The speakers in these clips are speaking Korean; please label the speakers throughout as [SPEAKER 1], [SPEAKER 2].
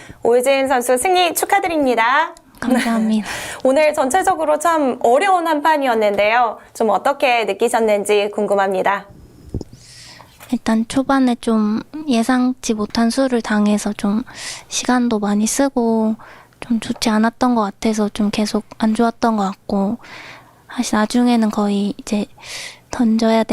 [SPEAKER 1] 오유진 선수 승리 축하드립니다.
[SPEAKER 2] 감사합니다.
[SPEAKER 1] 오늘 전체적으로 참 어려운 한 판이었는데요. 좀 어떻게 느끼셨는지 궁금합니다.
[SPEAKER 2] 일단 초반에 좀 예상치 못한 수를 당해서 좀 시간도 많이 쓰고 좀 좋지 않았던 것 같아서 좀 계속 안 좋았던 것 같고, 사실 나중에는 거의 이제 던져야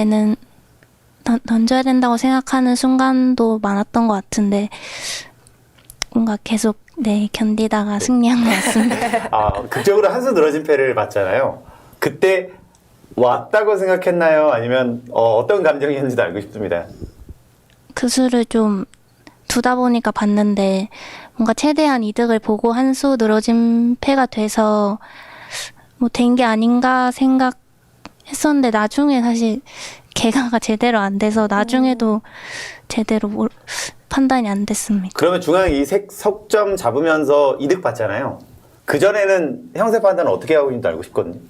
[SPEAKER 2] 된다고 생각하는 순간도 많았던 것 같은데 뭔가 계속 견디다가 승리한 것 같습니다.
[SPEAKER 3] 극적으로 한 수 늘어진 패를 봤잖아요. 그때 왔다고 생각했나요? 아니면 어떤 감정이었는지도 알고 싶습니다.
[SPEAKER 2] 그 수를 좀 두다 보니까 봤는데 뭔가 최대한 이득을 보고 한 수 늘어진 패가 돼서 뭐 된 게 아닌가 생각했었는데, 나중에 사실 개가가 제대로 안 돼서 나중에도 제대로 판단이 안 됐습니다.
[SPEAKER 3] 그러면 중앙 이색 석점 잡으면서 이득 봤잖아요. 그전에는 형세 판단은 어떻게 하고 있는지 알고 싶거든요.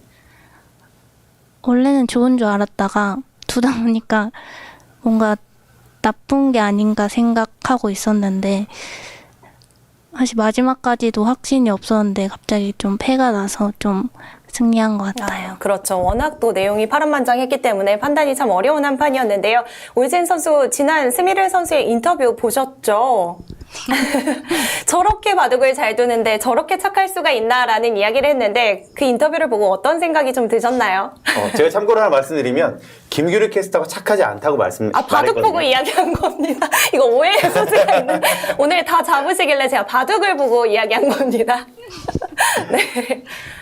[SPEAKER 2] 원래는 좋은 줄 알았다가 두다 보니까 뭔가 나쁜 게 아닌가 생각하고 있었는데, 사실 마지막까지도 확신이 없었는데 갑자기 좀 패가 나서 좀 승리한 것 같아요.
[SPEAKER 1] 그렇죠. 워낙 또 내용이 파란만장했기 때문에 판단이 참 어려운 한 판이었는데요. 오유진 선수 지난 스미르 선수의 인터뷰 보셨죠? 저렇게 바둑을 잘 두는데 저렇게 착할 수가 있나라는 이야기를 했는데, 그 인터뷰를 보고 어떤 생각이 좀 드셨나요?
[SPEAKER 3] 제가 참고로 하나 말씀드리면 김규리 캐스터가 착하지 않다고
[SPEAKER 1] 바둑
[SPEAKER 3] 말했거든요.
[SPEAKER 1] 보고 이야기한 겁니다. 이거 오해의 소지가 있는. 오늘 다 잡으시길래 제가 바둑을 보고 이야기한 겁니다. 네.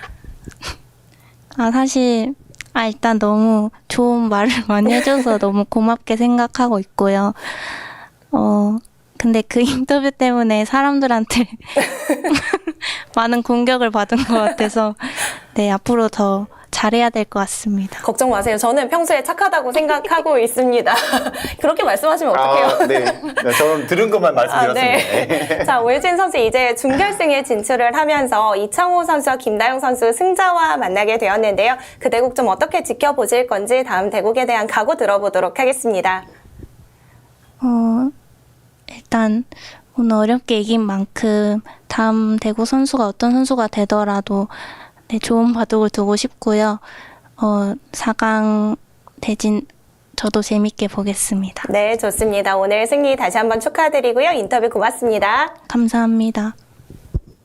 [SPEAKER 2] 사실 일단 너무 좋은 말을 많이 해줘서 너무 고맙게 생각하고 있고요. 근데 그 인터뷰 때문에 사람들한테 많은 공격을 받은 것 같아서 앞으로 더 잘해야 될 것 같습니다.
[SPEAKER 1] 걱정 마세요. 저는 평소에 착하다고 생각하고 있습니다. 그렇게 말씀하시면 어떡해요?
[SPEAKER 3] 네. 저는 들은 것만 말씀드렸습니다.
[SPEAKER 1] 네. 자, 오유진 선수 이제 준결승에 진출을 하면서 이창호 선수와 김다영 선수 승자와 만나게 되었는데요. 그 대국 좀 어떻게 지켜보실 건지 다음 대국에 대한 각오 들어보도록 하겠습니다.
[SPEAKER 2] 일단 오늘 어렵게 이긴 만큼 다음 대구 선수가 어떤 선수가 되더라도 좋은 바둑을 두고 싶고요. 4강 대진 저도 재밌게 보겠습니다.
[SPEAKER 1] 네, 좋습니다. 오늘 승리 다시 한번 축하드리고요. 인터뷰 고맙습니다.
[SPEAKER 2] 감사합니다.